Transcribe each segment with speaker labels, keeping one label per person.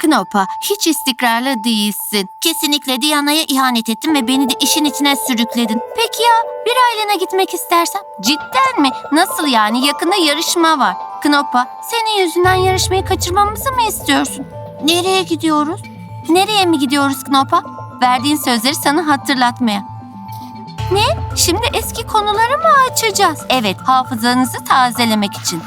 Speaker 1: Knopa, hiç istikrarlı değilsin. Kesinlikle Diana'ya ihanet ettin ve beni de işin içine sürükledin. Peki ya bir ailene gitmek istersem? Cidden mi? Nasıl yani? Yakında yarışma var. Knopa, senin yüzünden yarışmayı kaçırmamızı mı istiyorsun? Nereye gidiyoruz? Nereye mi gidiyoruz Knopa? Verdiğin sözleri sana hatırlatmaya. Ne? Şimdi eski konuları mı açacağız? Evet, hafızanızı tazelemek için.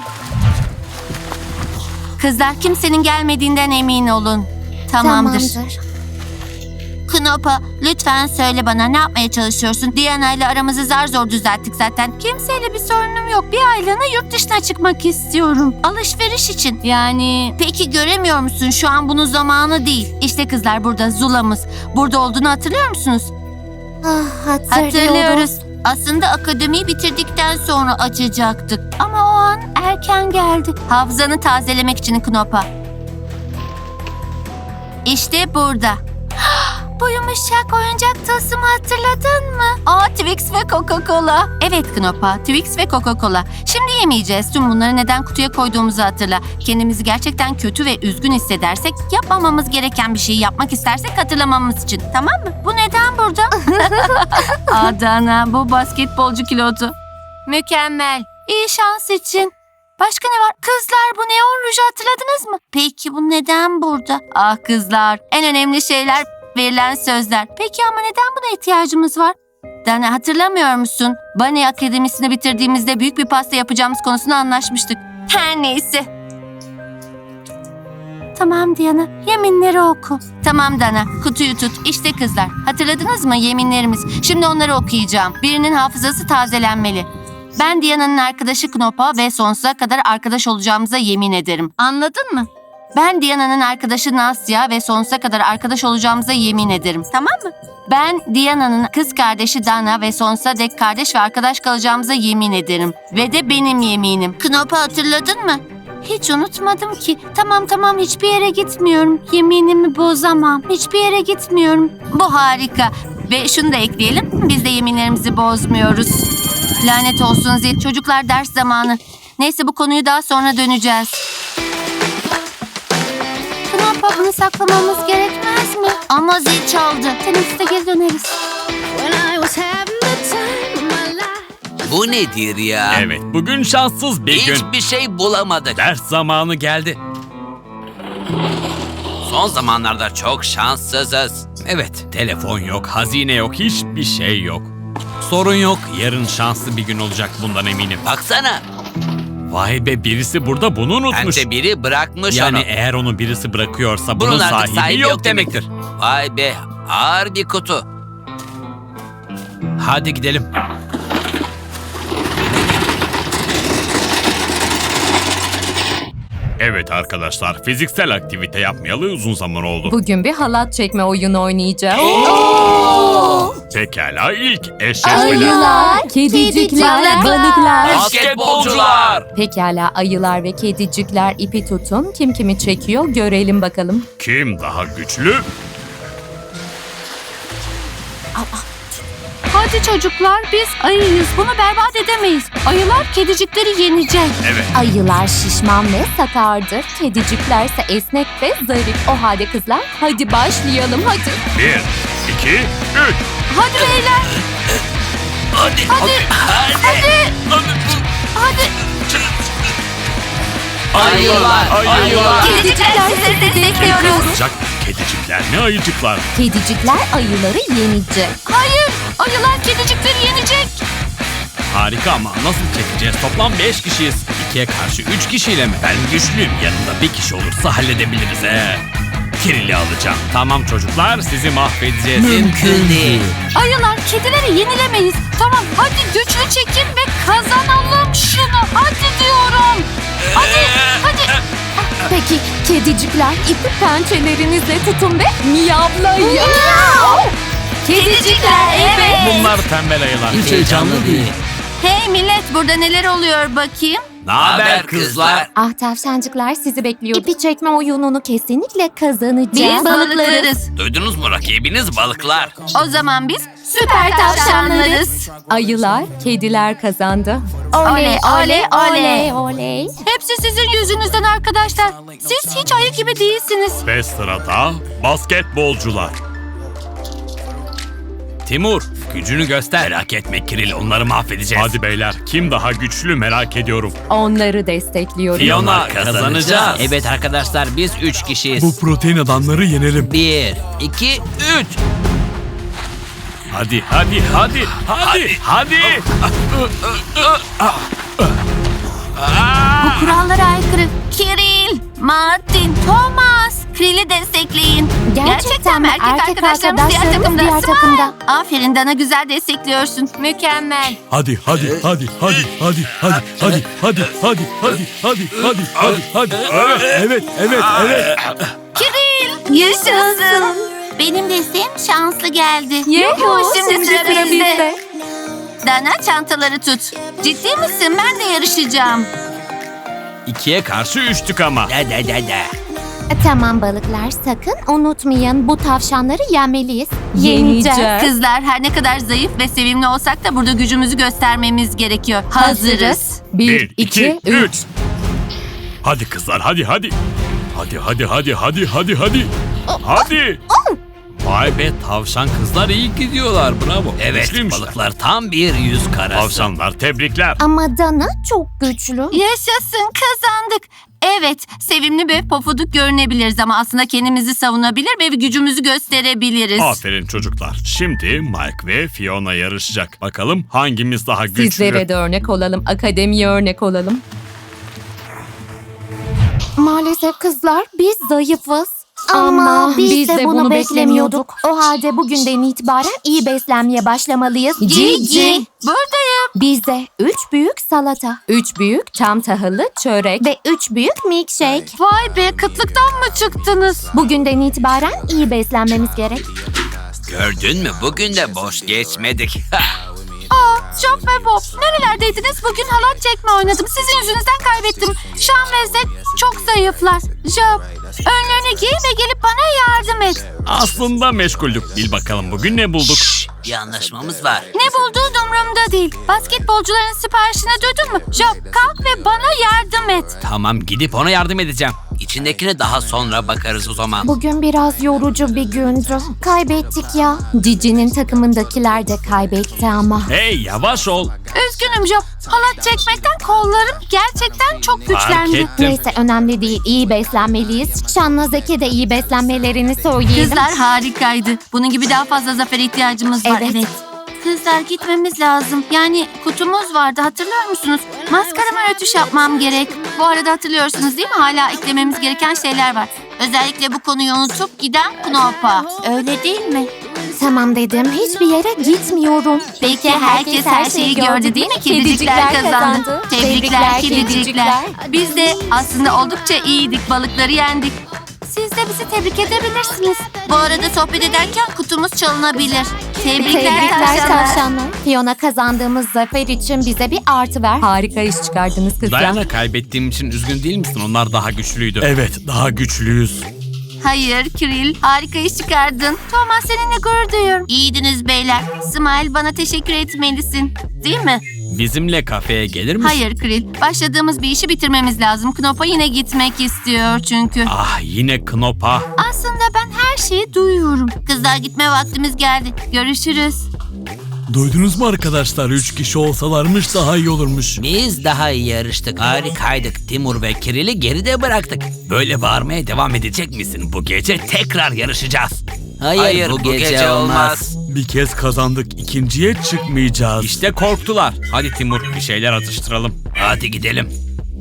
Speaker 1: Kızlar, kimsenin gelmediğinden emin olun. Tamamdır. Knopa, lütfen söyle bana, ne yapmaya çalışıyorsun? Diana ile aramızı zar zor düzelttik zaten. Kimseyle bir sorunum yok. Bir aylığına yurt dışına çıkmak istiyorum. Alışveriş için. Yani peki göremiyor musun? Şu an bunun zamanı değil. İşte kızlar burada, Zula'mız. Burada olduğunu hatırlıyor musunuz? Hatırlıyoruz. Aslında akademiyi bitirdikten sonra açacaktık. Ama o an erken geldi. Hafızanı tazelemek için Knopa. İşte burada. Bu yumuşak oyuncak tılsımı hatırladın mı? Twix ve Coca-Cola. Evet Knopa, Twix ve Coca-Cola. Şimdi yemeyeceğiz. Tüm bunları neden kutuya koyduğumuzu hatırla. Kendimizi gerçekten kötü ve üzgün hissedersek, yapmamamız gereken bir şeyi yapmak istersek hatırlamamız için. Tamam mı? Bu neden burada? Adana, bu basketbolcu kilotu. Mükemmel. İyi şans için. Başka ne var? Kızlar, bu neon ruju hatırladınız mı? Peki bu neden burada? Ah kızlar, en önemli şeyler verilen sözler. Peki ama neden buna ihtiyacımız var? Dana, hatırlamıyor musun? Bunny Akademisi'ni bitirdiğimizde büyük bir pasta yapacağımız konusunu anlaşmıştık. Her neyse. Tamam Diana, yeminleri oku. Tamam Dana, kutuyu tut. İşte kızlar, hatırladınız mı yeminlerimiz? Şimdi onları okuyacağım. Birinin hafızası tazelenmeli. Ben Diana'nın arkadaşı Knopa ve sonsuza kadar arkadaş olacağımıza yemin ederim. Anladın mı? Ben Diana'nın arkadaşı Nasya ve sonsuza kadar arkadaş olacağımıza yemin ederim. Tamam mı? Ben Diana'nın kız kardeşi Dana ve sonsuza dek kardeş ve arkadaş kalacağımıza yemin ederim. Ve de benim yeminim. Knopa, hatırladın mı? Hiç unutmadım ki. Tamam, hiçbir yere gitmiyorum. Yeminimi bozamam. Hiçbir yere gitmiyorum. Bu harika. Ve şunu da ekleyelim. Biz de yeminlerimizi bozmuyoruz. Lanet olsun Zil. Çocuklar, ders zamanı. Neyse, bu konuyu daha sonra döneceğiz. Knopa, bunu saklamamız gerekmez mi? Ama zil çaldı. Teneffüste geri döneriz.
Speaker 2: Bu nedir ya?
Speaker 3: Evet, bugün şanssız bir gün.
Speaker 2: Hiçbir şey bulamadık.
Speaker 3: Ders zamanı geldi.
Speaker 2: Son zamanlarda çok şanssızız.
Speaker 3: Evet, telefon yok, hazine yok, hiçbir şey yok. Sorun yok, yarın şanslı bir gün olacak, bundan eminim.
Speaker 2: Baksana.
Speaker 3: Vay be, birisi burada bunu unutmuş.
Speaker 2: Bence biri bırakmış
Speaker 3: Yani
Speaker 2: onu.
Speaker 3: eğer onu birisi bırakıyorsa bunun
Speaker 2: artık
Speaker 3: sahibi yok demektir.
Speaker 2: Vay be, ağır bir kutu.
Speaker 3: Hadi gidelim. Evet arkadaşlar, fiziksel aktivite yapmayalı uzun zaman oldu.
Speaker 4: Bugün bir halat çekme oyunu oynayacağız.
Speaker 3: Pekala, ilk eşleşmeler.
Speaker 4: Ayılar, kedicikler, balıklar.
Speaker 2: Basketbolcular.
Speaker 4: Pekala, ayılar ve kedicikler ipi tutun. Kim kimi çekiyor görelim bakalım.
Speaker 3: Kim daha güçlü?
Speaker 1: Hadi çocuklar, biz ayıyız. Bunu berbat edemeyiz. Ayılar kedicikleri yenecek.
Speaker 3: Evet.
Speaker 4: Ayılar şişman ve sakardır. Kediciklerse esnek ve zarif. O halde kızlar, hadi başlayalım hadi.
Speaker 3: 1, 2, 3.
Speaker 1: Hadi beyler.
Speaker 2: Hadi. Ayılar.
Speaker 1: Kedicikler, sizi destekliyoruz.
Speaker 3: Olacak. Kedicikler ne ayıcıklar.
Speaker 4: Kedicikler ayıları yenecek.
Speaker 1: Hayır, ayılar kedicikleri yenecek.
Speaker 3: Harika ama nasıl çekeceğiz? Toplam 5 kişiyiz. 2'ye karşı 3 kişiyle mi? Ben güçlüyüm. Yanında bir kişi olursa halledebiliriz Kirili alacağım. Tamam çocuklar, sizi mahvedeceğiz.
Speaker 2: Mümkün değil.
Speaker 1: Ayılar, kedileri yenilemeyiz. Tamam, hadi güçlü çekin ve kazanalım şunu. Hadi diyorum. Hadi.
Speaker 4: Peki kedicikler ipi pençelerinizle tutun ve miyavlayın.
Speaker 1: Kedicikler, evet.
Speaker 3: Bunlar tembel ayılar.
Speaker 2: Hiç heyecanlı değil.
Speaker 1: Hey millet, burada neler oluyor bakayım?
Speaker 3: Naber kızlar?
Speaker 4: Ah tavşancıklar sizi bekliyor. İpi çekme oyununu kesinlikle kazanacağız.
Speaker 1: Biz balıklarız.
Speaker 3: Duydunuz mu, rakibiniz balıklar.
Speaker 1: O zaman biz süper tavşanlarız.
Speaker 4: Ayılar, kediler kazandı.
Speaker 1: Oley, oley, oley.
Speaker 4: oley.
Speaker 1: Hepsi sizin yüzünüzden arkadaşlar. Siz hiç ayı gibi değilsiniz.
Speaker 3: Ve sırada basketbolcular. Timur, gücünü göster. Merak etme Kiril, onları mahvedeceğiz. Hadi beyler, kim daha güçlü merak ediyorum.
Speaker 4: Onları destekliyorum.
Speaker 3: Fiona, kazanacağız.
Speaker 2: Evet arkadaşlar, biz 3 kişiyiz.
Speaker 3: Bu protein adamları yenelim.
Speaker 2: 1, 2, 3.
Speaker 3: Hadi.
Speaker 1: Bu kurallara aykırı. Kiril, Martin, Thomas, Kril'i destekleyin.
Speaker 4: Gerçekten mi? Erkek
Speaker 1: arkadaşlarımız diğer takımda.
Speaker 4: diğer
Speaker 1: Smile.
Speaker 4: takımda.
Speaker 1: Aferin Dana, güzel destekliyorsun. Mükemmel.
Speaker 5: Hadi. Evet.
Speaker 1: Kiril, yaşasın. Benim desteğim şanslı geldi.
Speaker 4: Yuhu,
Speaker 1: Şimdi sıra bizde. Dana, çantaları tut. Ciddi misin? Ben de yarışacağım.
Speaker 3: 2'ye karşı 3'tük ama.
Speaker 2: Da.
Speaker 4: Tamam balıklar, sakın unutmayın bu tavşanları yenmeliyiz. Yeneceğiz.
Speaker 1: Kızlar, her ne kadar zayıf ve sevimli olsak da burada gücümüzü göstermemiz gerekiyor. Hazırız.
Speaker 4: 1, 2, 3.
Speaker 5: Hadi kızlar hadi. Hadi.
Speaker 3: Vay be, tavşan kızlar iyi gidiyorlar, bravo.
Speaker 2: Evet,
Speaker 3: Güçlüymüşler.
Speaker 2: balıklar tam bir yüz karası.
Speaker 3: Tavşanlar, tebrikler.
Speaker 4: Ama Dana çok güçlü.
Speaker 1: Yaşasın, kazandık. Evet, sevimli ve pofuduk görünebiliriz ama aslında kendimizi savunabilir ve gücümüzü gösterebiliriz.
Speaker 3: Aferin çocuklar. Şimdi Mike ve Fiona yarışacak. Bakalım hangimiz daha güçlü.
Speaker 4: Sizlere de örnek olalım, akademiye örnek olalım. Maalesef kızlar biz zayıfız. Ama biz de bunu beklemiyorduk. O halde bugünden itibaren iyi beslenmeye başlamalıyız.
Speaker 1: Cici, buradayım.
Speaker 4: Bize 3 büyük salata, 3 büyük çam tahıllı çörek ve 3 büyük milkshake.
Speaker 1: Vay be, kıtlıktan mı çıktınız?
Speaker 4: Bugünden itibaren iyi beslenmemiz gerek.
Speaker 2: Gördün mü? Bugün de boş geçmedik.
Speaker 1: Job ve Bob, nerelerdeydiniz? Bugün halat çekme oynadım. Sizin yüzünüzden kaybettim. Sean ve Zed çok zayıflar. Job, önlüğünü giy ve gelip bana yardım et.
Speaker 3: Aslında meşguldük. Bil bakalım bugün ne bulduk?
Speaker 2: Bir anlaşmamız var.
Speaker 1: Ne bulduğun umurumda değil. Basketbolcuların siparişini duydun mu? Job, kalk ve bana yardım et.
Speaker 3: Tamam, gidip ona yardım edeceğim.
Speaker 2: İçindekine daha sonra bakarız o zaman.
Speaker 4: Bugün biraz yorucu bir gündü. Kaybettik ya. Cici'nin takımındakiler de kaybetti ama.
Speaker 3: Hey, yavaş ol.
Speaker 1: Üzgünüm Job. Halat çekmekten kollarım gerçekten çok
Speaker 3: Fark
Speaker 1: güçlendi.
Speaker 3: ettim.
Speaker 4: Neyse önemli değil. İyi beslenmeliyiz. Şan'la Zeki de iyi beslenmelerini söyleyelim.
Speaker 1: Kızlar harikaydı. Bunun gibi daha fazla zafere ihtiyacımız var.
Speaker 4: Evet.
Speaker 1: Kızlar, gitmemiz lazım. Yani kutumuz vardı, hatırlıyor musunuz? Maskarama rötuş yapmam gerek. Bu arada hatırlıyorsunuz değil mi? Hala eklememiz gereken şeyler var. Özellikle bu konuyu unutup giden Knopa. Öyle değil mi?
Speaker 4: Tamam dedim. Hiçbir yere gitmiyorum.
Speaker 1: Peki herkes her şeyi gördü değil mi? Kedicikler kazandı. Tebrikler kedicikler. Biz de aslında oldukça iyiydik. Balıkları yendik. Siz de bizi tebrik edebilirsiniz. Bu arada sohbet ederken kutumuz çalınabilir. Tebrikler tavşanlar.
Speaker 4: tavşanlar. Fiona kazandığımız zafer için bize bir artı ver. Harika iş çıkardınız kızlar.
Speaker 3: Diana, kaybettiğim için üzgün değil misin? Onlar daha güçlüydü.
Speaker 5: Evet daha güçlüyüz.
Speaker 1: Hayır Kiril, harika iş çıkardın. Thomas, seninle gurur duyuyorum. İyiydiniz beyler. Smile, bana teşekkür etmelisin. Değil mi?
Speaker 3: Bizimle kafeye gelir misin?
Speaker 1: Hayır Kiril, başladığımız bir işi bitirmemiz lazım. Knopa yine gitmek istiyor çünkü.
Speaker 3: Ah, yine Knopa.
Speaker 1: Aslında ben her şeyi duyuyorum. Kızlar, gitme vaktimiz geldi. Görüşürüz.
Speaker 5: Duydunuz mu arkadaşlar? 3 kişi olsalarmış daha iyi olurmuş.
Speaker 2: Biz daha iyi yarıştık. Harikaydık. Timur ve Kiril'i geride bıraktık. Böyle bağırmaya devam edecek misin? Bu gece tekrar yarışacağız. Hayır, bu gece olmaz.
Speaker 5: Bir kez kazandık. İkinciye çıkmayacağız.
Speaker 3: İşte korktular. Hadi Timur, bir şeyler atıştıralım.
Speaker 2: Hadi gidelim.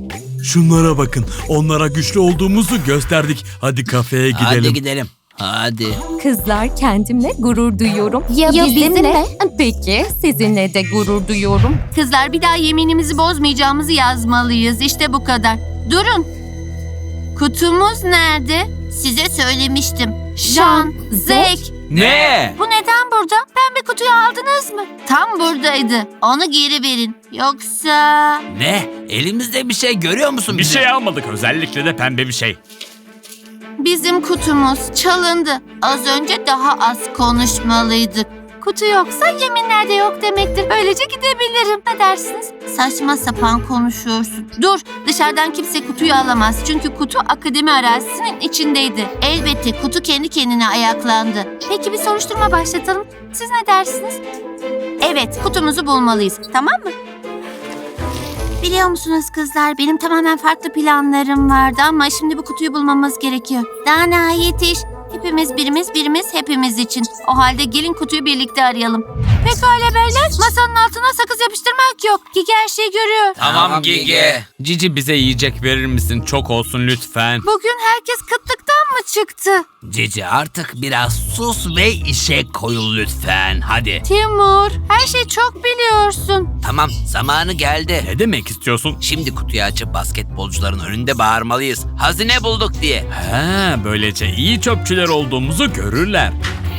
Speaker 5: Şunlara bakın. Onlara güçlü olduğumuzu gösterdik. Hadi kafeye gidelim.
Speaker 2: Hadi gidelim. Hadi.
Speaker 4: Kızlar, kendimle gurur duyuyorum. Ya bizimle? Peki sizinle de gurur duyuyorum.
Speaker 1: Kızlar, bir daha yeminimizi bozmayacağımızı yazmalıyız. İşte bu kadar. Durun. Kutumuz nerede? Size söylemiştim. Sean, Zek,
Speaker 3: Ne?
Speaker 1: Bu neden burada? Pembe kutuyu aldınız mı? Tam buradaydı. Onu geri verin. Yoksa...
Speaker 2: Ne? Elimizde bir şey görüyor musun?
Speaker 3: Bir
Speaker 2: bizim?
Speaker 3: şey almadık, özellikle de pembe bir şey.
Speaker 1: Bizim kutumuz çalındı. Az önce daha az konuşmalıydık. Kutu yoksa yeminler de yok demektir. Böylece gidebilirim. Ne dersiniz? Saçma sapan konuşuyorsun. Dur, dışarıdan kimse kutuyu alamaz. Çünkü kutu akademi arazisinin içindeydi. Elbette kutu kendi kendine ayaklandı. Peki bir soruşturma başlatalım. Siz ne dersiniz? Evet, kutumuzu bulmalıyız. Tamam mı? Biliyor musunuz kızlar, benim tamamen farklı planlarım vardı ama şimdi bu kutuyu bulmamız gerekiyor. Dana yetiş. Hepimiz birimiz hepimiz için. O halde gelin kutuyu birlikte arayalım. Pekala beyler, masanın altına sakız yapıştırmak yok. Gigi her şeyi görüyor.
Speaker 2: Tamam Gigi.
Speaker 3: Cici, bize yiyecek verir misin? Çok olsun lütfen.
Speaker 1: Bugün herkes kıtlıktan mı çıktı?
Speaker 2: Cici artık biraz sus ve işe koyul lütfen. Hadi.
Speaker 1: Timur, her şeyi çok biliyorsun.
Speaker 2: Tamam, zamanı geldi.
Speaker 3: Ne demek istiyorsun?
Speaker 2: Şimdi kutuyu açıp basketbolcuların önünde bağırmalıyız. Hazine bulduk diye.
Speaker 3: Ha, böylece iyi çöpçüler olduğumuzu görürler.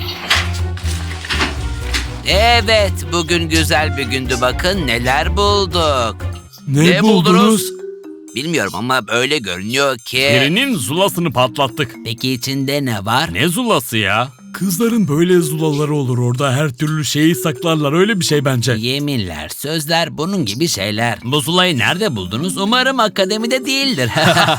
Speaker 2: Evet, bugün güzel bir gündü, bakın neler bulduk.
Speaker 5: Ne buldunuz?
Speaker 2: Bilmiyorum ama öyle görünüyor ki.
Speaker 3: Birinin zulasını patlattık.
Speaker 2: Peki içinde ne var?
Speaker 3: Ne zulası ya?
Speaker 5: Kızların böyle zulaları olur orada. Her türlü şeyi saklarlar. Öyle bir şey bence.
Speaker 2: Yeminler, sözler, bunun gibi şeyler. Bu zulayı nerede buldunuz? Umarım akademide değildir.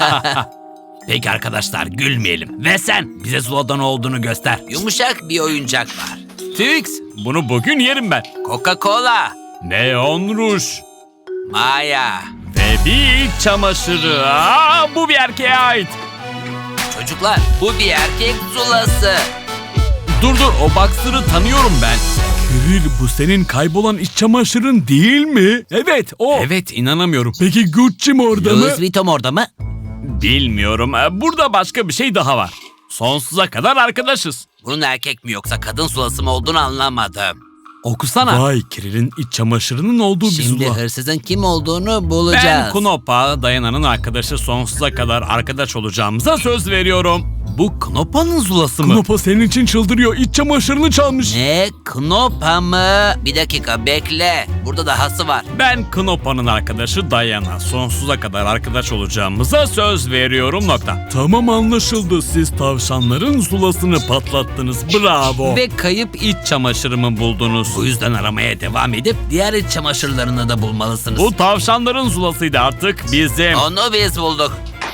Speaker 2: Peki arkadaşlar, gülmeyelim. Ve sen bize zuladan olduğunu göster. Yumuşak bir oyuncak var.
Speaker 3: Twix, bunu bugün yerim ben.
Speaker 2: Coca-Cola,
Speaker 3: Neon ruj
Speaker 2: Maya.
Speaker 3: ve bir iç çamaşırı. Aa, bu bir erkeğe ait.
Speaker 2: Çocuklar, bu bir erkek zulası.
Speaker 3: Dur, o boxer'ı tanıyorum ben.
Speaker 5: Kiril, bu senin kaybolan iç çamaşırın değil mi? Evet, o.
Speaker 3: Evet, inanamıyorum.
Speaker 5: Peki Gucci mi orada mı?
Speaker 2: Louis Vuitton orada mı?
Speaker 3: Bilmiyorum. Burada başka bir şey daha var. Sonsuza kadar arkadaşız.
Speaker 2: Bunun erkek mi yoksa kadın zulası mı olduğunu anlamadım.
Speaker 3: Okusana.
Speaker 5: Vay, Kiril'in iç çamaşırının olduğu bir
Speaker 2: Şimdi
Speaker 5: zula.
Speaker 2: hırsızın kim olduğunu bulacağız.
Speaker 3: Ben Knopa, Dayana'nın arkadaşı, sonsuza kadar arkadaş olacağımıza söz veriyorum. Bu Knopa'nın zulası mı?
Speaker 5: Knopa senin için çıldırıyor. İç çamaşırını çalmış.
Speaker 2: Ne? Knopa mı? Bir dakika bekle. Burada dahası var.
Speaker 3: Ben Knopa'nın arkadaşı Dayana. Sonsuza kadar arkadaş olacağımıza söz veriyorum nokta.
Speaker 5: Tamam, anlaşıldı. Siz tavşanların zulasını patlattınız. Bravo.
Speaker 3: Ve kayıp iç çamaşırımı buldunuz.
Speaker 2: Bu yüzden aramaya devam edip diğer iç çamaşırlarını da bulmalısınız.
Speaker 3: Bu tavşanların zulasıydı, artık bizim.
Speaker 2: Onu biz bulduk.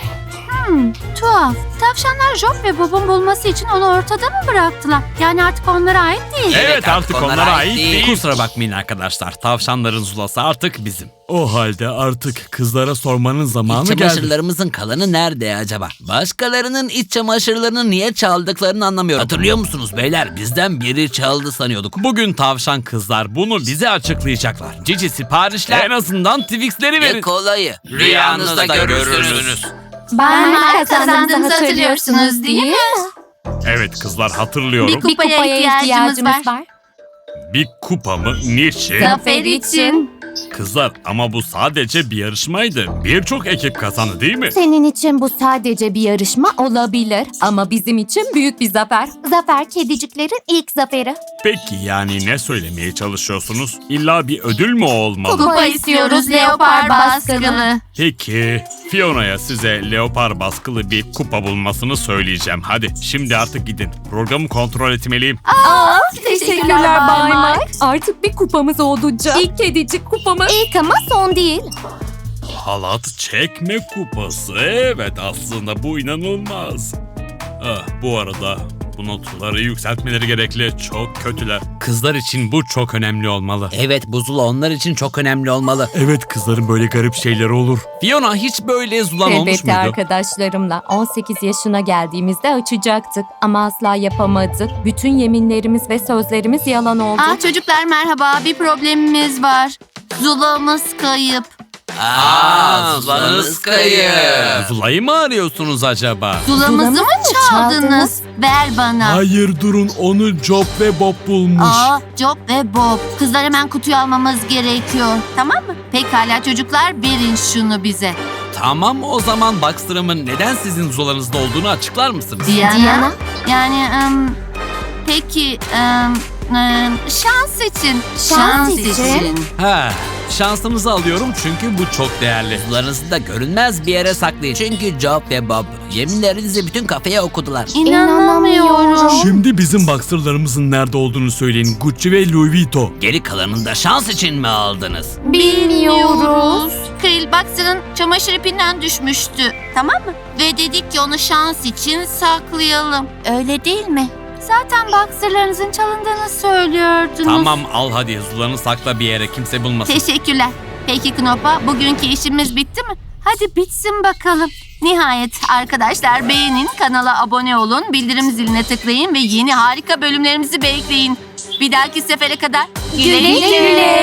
Speaker 1: Tuhaf. Tavşanlar Job ve Bob'un bulması için onu ortada mı bıraktılar? Yani artık onlara ait değil.
Speaker 3: Evet, artık onlara ait değil.
Speaker 2: değil.
Speaker 3: Kusura bakmayın arkadaşlar. Tavşanların zulası artık bizim.
Speaker 5: O halde artık kızlara sormanın zamanı
Speaker 2: İç
Speaker 5: geldi.
Speaker 2: çamaşırlarımızın kalanı nerede acaba? Başkalarının iç çamaşırlarını niye çaldıklarını anlamıyorum. Hatırlıyor musunuz beyler? Bizden biri çaldı sanıyorduk.
Speaker 3: Bugün tavşan kızlar bunu bize açıklayacaklar. Cici, siparişler en azından Twix'leri
Speaker 2: Ne
Speaker 3: verin.
Speaker 2: kolayı. Rüyanızda görürsünüz.
Speaker 1: Bana kazandığımızı hatırlıyorsunuz değil mi?
Speaker 3: Evet kızlar, hatırlıyorum.
Speaker 1: Bir kupaya ihtiyacımız var.
Speaker 3: Bir kupa mı? Niçin?
Speaker 1: Zafer için.
Speaker 3: Kızlar, ama bu sadece bir yarışmaydı. Birçok ekip kazandı değil mi?
Speaker 4: Senin için bu sadece bir yarışma olabilir ama bizim için büyük bir zafer. Zafer kediciklerin ilk zaferi.
Speaker 3: Peki yani ne söylemeye çalışıyorsunuz? İlla bir ödül mü olmalı?
Speaker 1: Kupa istiyoruz leopar baskılı.
Speaker 3: Peki, Fiona'ya size leopar baskılı bir kupa bulmasını söyleyeceğim. Hadi şimdi artık gidin. Programı kontrol etmeliyim.
Speaker 4: Teşekkürler Bay Mike. Artık bir kupamız olacak. İlk kedicik kupamız. İlk ama son değil.
Speaker 3: Halat çekme kupası. Evet, aslında bu inanılmaz. Bu arada bu notları yükseltmeleri gerekli. Çok kötüler. Kızlar için bu çok önemli olmalı.
Speaker 2: Evet, bu zula onlar için çok önemli olmalı.
Speaker 5: Evet, kızların böyle garip şeyleri olur.
Speaker 3: Fiona, hiç böyle zulan olmuş
Speaker 4: Elbette
Speaker 3: muydu?
Speaker 4: arkadaşlarımla 18 yaşına geldiğimizde açacaktık ama asla yapamadık. Bütün yeminlerimiz ve sözlerimiz yalan oldu.
Speaker 1: Çocuklar merhaba, bir problemimiz var. Zulamız kayıp.
Speaker 2: Zulanız kayıp.
Speaker 3: Zula'yı mı arıyorsunuz acaba?
Speaker 1: Zulamızı mı çaldınız? Ver bana.
Speaker 5: Hayır, durun, onu Job ve Bob bulmuş.
Speaker 1: Job ve Bob. Kızlar, hemen kutuyu almamız gerekiyor. Tamam mı? Pekala çocuklar, verin şunu bize.
Speaker 3: Tamam, o zaman Baxter'ımın neden sizin zulanızda olduğunu açıklar mısınız?
Speaker 1: Diana? Yani Peki, şans için.
Speaker 4: Şans için?
Speaker 3: Ha, şansınızı alıyorum çünkü bu çok değerli.
Speaker 2: Sularınızı da görünmez bir yere saklayın. Çünkü Job ve Bob yeminlerinizi bütün kafeye okudular.
Speaker 1: İnanamıyorum.
Speaker 5: Şimdi bizim boxerlarımızın nerede olduğunu söyleyin. Gucci ve Louis Vuitton.
Speaker 2: Geri kalanını da şans için mi aldınız?
Speaker 1: Bilmiyoruz. Kril Boxer'ın çamaşır ipinden düşmüştü. Tamam mı? Ve dedik ki onu şans için saklayalım. Öyle değil mi? Zaten boxerlarınızın çalındığını söylüyordunuz.
Speaker 3: Tamam al hadi sularını sakla bir yere kimse bulmasın.
Speaker 1: Teşekkürler. Peki Knopa, bugünkü işimiz bitti mi? Hadi bitsin bakalım. Nihayet arkadaşlar, beğenin, kanala abone olun, bildirim ziline tıklayın ve yeni harika bölümlerimizi bekleyin. Bir dahaki sefere kadar güle güle.